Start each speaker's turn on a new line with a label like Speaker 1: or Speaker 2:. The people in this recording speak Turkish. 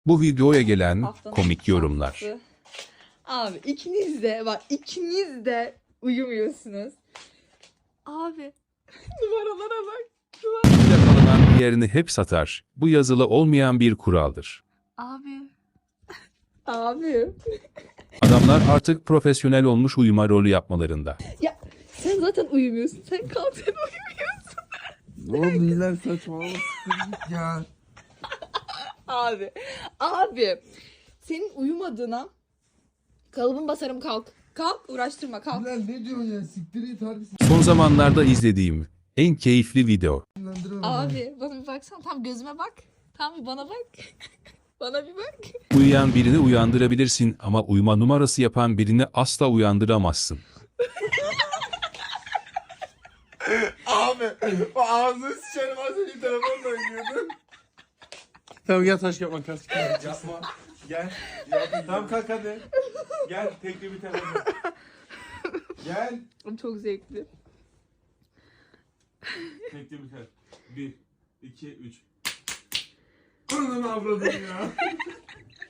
Speaker 1: Bu videoya gelen
Speaker 2: Haftanın
Speaker 1: komik yorumlar.
Speaker 2: şansı. Abi ikiniz de uyumuyorsunuz. Abi numaralara bak.
Speaker 1: Yakalanan diğerini hep satar. Bu yazılı olmayan bir kuraldır.
Speaker 2: Abi. Abi.
Speaker 1: Adamlar artık profesyonel olmuş uyuma rolü yapmalarında.
Speaker 2: Ya sen zaten uyumuyorsun. Sen kalk sen uyumuyorsun.
Speaker 3: Ne oldu iler saçmalama siktir git ya.
Speaker 2: Abi. Abi. Senin uyumadığına kalıbın basarım kalk. Kalk uğraştırma kalk.
Speaker 3: Bilal ne diyorsun ya siktir git harbi
Speaker 1: Son zamanlarda izlediğim en keyifli video.
Speaker 3: sinirlendirme beni.
Speaker 2: Abi bana bir baksana. Tam gözüme bak. Tam bir bana bak. Bana bir bak.
Speaker 1: Uyuyan birini uyandırabilirsin ama uyuma numarası yapan birini asla uyandıramazsın.
Speaker 3: Abi o ağzını sıçarım az önce telefonla oynuyordun. Tamam gel taş kağıt makas.
Speaker 4: Yapma. Gel. Tamam kalk hadi. Gel tekli bir tane. Gel.
Speaker 2: Çok zevkli.
Speaker 4: Tekli bir tane. 1, 2, 3.
Speaker 3: Ananı avradım ya.